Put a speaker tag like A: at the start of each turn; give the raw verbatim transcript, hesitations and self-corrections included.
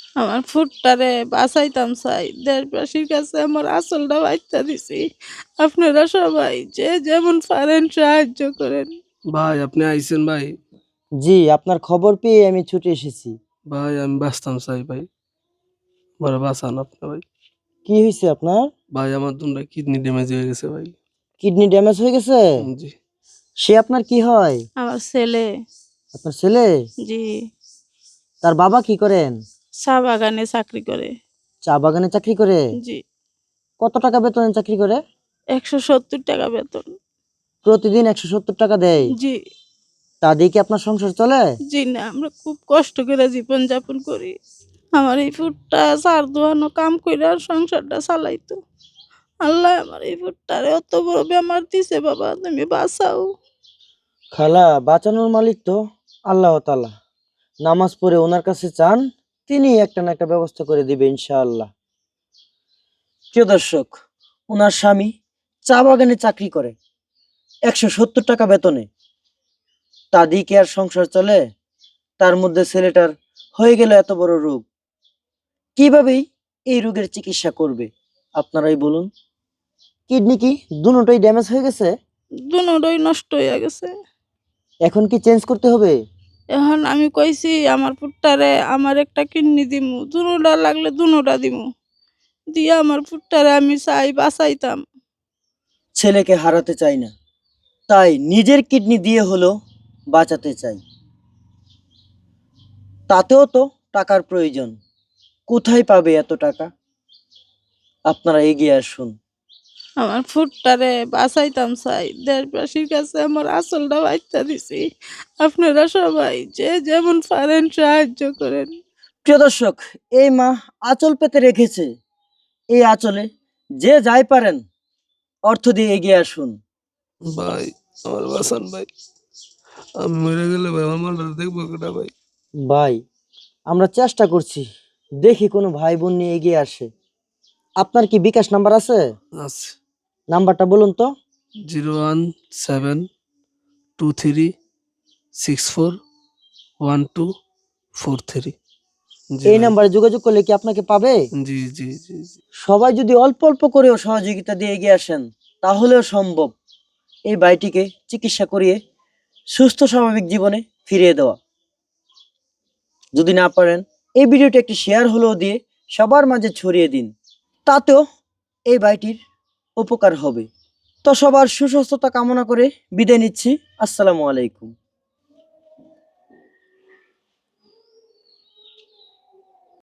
A: আমার ফুটটারে বাঁচাইতাম চাই, দেশবাসীর কাছে আমার আসলটা বাচ্চা দিছি। আপনারা সবাই যে যেমন পারেন সাহায্য করেন।
B: ভাই আপনি আইছেন ভাই।
C: জি, আপনার খবর পেয়ে আমি ছুটে এসেছি।
B: ভাই আমি বাঁচতাম চাই ভাই, বড় বাঁচান আপনি ভাই।
C: কি হয়েছে আপনার?
B: ভাই আমার দুটা কিডনি ড্যামেজ হয়ে গেছে ভাই।
C: কিডনি ড্যামেজ হয়ে গেছে?
B: জি।
C: সে আপনার কি হয়?
A: আমার ছেলে।
C: আপনার ছেলে?
A: জি।
C: তার বাবা কি করেন?
A: চা বাগানে চাকরি করে।
C: চা বাগানে চাকরি করে?
A: জি।
C: কত টাকা বেতনে চাকরি করে?
A: একশো সত্তর টাকা বেতন।
C: প্রতিদিন একশো সত্তর টাকা দেয়?
A: জি।
C: তা দিয়ে কি আপনার সংসার চলে?
A: জি না, আমরা খুব কষ্ট করে জীবন যাপন করি। আমার এই ফুটটা চার দোয়ানো কাম করে সংসারটা চালাইতো। আল্লাহ আমার এই ফুটটারে অত বড় বেমার দিছে, বাবা তুমি বাঁচাও।
C: খালা, বাঁচানোর মালিক তো আল্লাহ তাআলা। নামাজ পড়ে ওনার কাছে চান, তিনি একটা না একটা ব্যবস্থা করে দিবে ইনশাআল্লাহ। প্রিয় দর্শক, ওনার স্বামী চা বাগানে চাকরি করে একশো সত্তর টাকা বেতনে। তা দিয়ে কি আর সংসার চলে? তার মধ্যে ছেলেটার হয়ে গেল এত বড় রোগ। কিভাবেই এই রোগের চিকিৎসা করবে আপনারাই বলুন। কিডনি কি দুটোই ড্যামেজ হয়ে গেছে?
A: দুনোটাই নষ্ট হয়ে গেছে।
C: এখন কি চেঞ্জ করতে হবে?
A: এখন আমি কইছি আমার ফুটটারে আমার একটা কিডনি দিমু, দুনোটা লাগলে দুনোটা দিমু, দিয়ে আমার ফুটটারে আমি চাই বাঁচাইতাম।
C: ছেলেকে হারাতে চাই না, তাই নিজের কিডনি দিয়ে হলো বাঁচাতে চাই। তাতেও তো টাকার প্রয়োজন। কোথায় পাবে এত টাকা? আপনারা এগিয়ে আসুন।
A: আমার ফুটটারে বাঁচাইতাম চাই, দেশবাসীর কাছে আমার আসলটা বাচ্চা দিছি। আপনারা সবাই যে যেমন পারেন সাহায্য করেন।
C: প্রিয় দর্শক, এই মা আঁচল পেতে রেখেছে। এই আঁচলে যে যাই পারেন অর্থ দিয়ে এগিয়ে আসুন।
B: ভাই আমার বাঁচান ভাই, আমি মরে গেলে ভাই আমার মালটা দেখবো কেটা ভাই?
C: ভাই, আমরা চেষ্টা করছি, দেখি কোনো ভাই বোন নিয়ে এগিয়ে আসে। আপনার কি বিকাশ নাম্বার আছে?
B: আছে।
C: নাম্বারটা বলুন তো।
B: Zero one seven two three six four one two four three. জি
C: এই
B: ভাই।
C: নাম্বারে যোগাযোগ করলে কি আপনাকে পাবে?
B: জি জি জি জি।
C: সবাই যদি অল্প অল্প করেও সহযোগিতা দিয়ে এগিয়ে আসেন তাহলেও সম্ভব এই ভাইটিকে চিকিৎসা করিয়ে সুস্থ স্বাভাবিক জীবনে ফিরিয়ে দেওয়া। যদি না পারেন এই ভিডিওটি একটি শেয়ার হলেও দিয়ে সবার মাঝে ছড়িয়ে দিন, তাতেও এই ভাইটির উপকার হবে। তো সবার সুস্বাস্থ্যতা কামনা করে বিদায় নিচ্ছি। আসসালামু আলাইকুম।